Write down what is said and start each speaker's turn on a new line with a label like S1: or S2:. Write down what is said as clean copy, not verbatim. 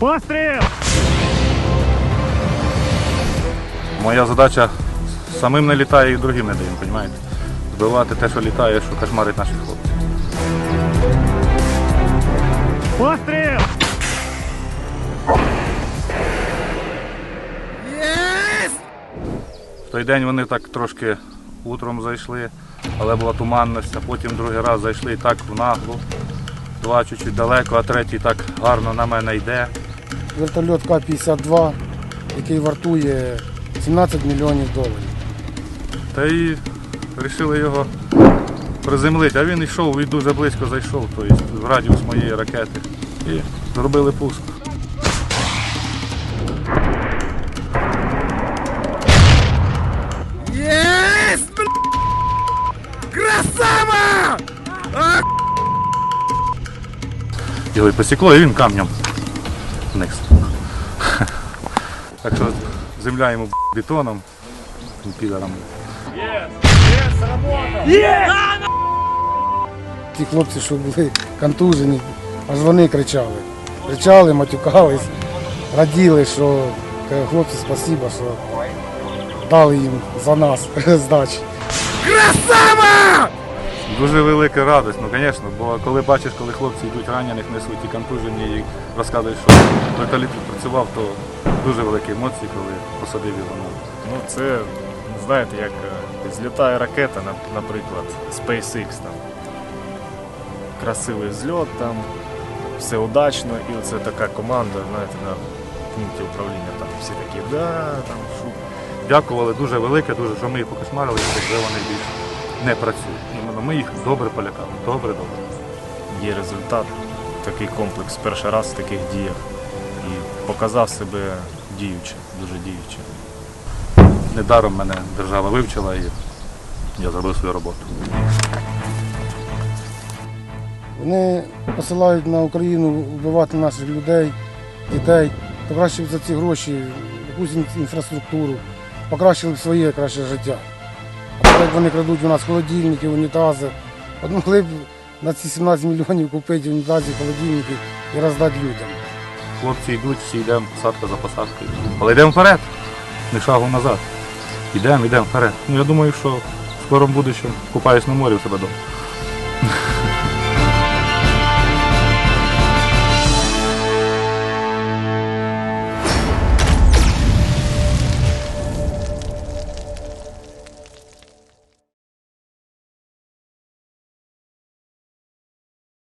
S1: Постріл!
S2: Моя задача самим не літає і другим не даємо, розумієте? Збивати те, що літає, що кошмарить наших хлопців.
S1: Постріл!
S2: В той день вони так трошки утром зайшли, але була туманність, а потім другий раз зайшли і так в наглу. Два чуть-чуть далеко, а третій так гарно на мене йде.
S3: Вертольот К-52, який вартує 17 мільйонів доларів.
S2: Та й вирішили його приземлити, а він йшов і дуже близько зайшов, тобто в радіус моєї ракети. І зробили пуск.
S4: Єсть! Красава!
S2: Його і посікло, і він камнем вниз. Так що земля йому бетоном, тим підаром.
S3: Ті хлопці, що були контужені, аж вони кричали. Кричали, матюкались, раділи, що хлопці, спасибо, що дали їм за нас здачі.
S4: Красава!
S2: Дуже велика радість, ну звісно, бо коли бачиш, коли хлопці йдуть ранених, несуть і контужені, і розказують, що вертоліт працював, то дуже великі емоції, коли посадив його на.
S5: Ну це, знаєте, як злітає ракета, наприклад, SpaceX там. Красивий зльот там, все удачно, і оце така команда, знаєте, на пункті управління там всі такі, там шум.
S2: Дякували дуже велике, дуже, що ми їх покошмарили, якби вони більше не працюють. Іменно ми їх добре полякали, добре.
S5: Є результат, такий комплекс перший раз в таких діях. І показав себе діюче, дуже діюче.
S2: Недаром мене держава вивчила і я зробив свою роботу.
S3: Вони посилають на Україну вбивати наших людей, дітей, то краще б за ці гроші якусь інфраструктуру, покращили б своє краще життя. А так як вони крадуть у нас холодильники, унітази, от могли б на ці 17 мільйонів купити унітази, холодильники і роздати людям.
S2: Хлопці йдуть, всі йдемо посадка за посадкою. Але йдемо вперед, не шагу назад. Йдемо вперед. Ну я думаю, що в скорому будущому купаюсь на морі у себе вдома.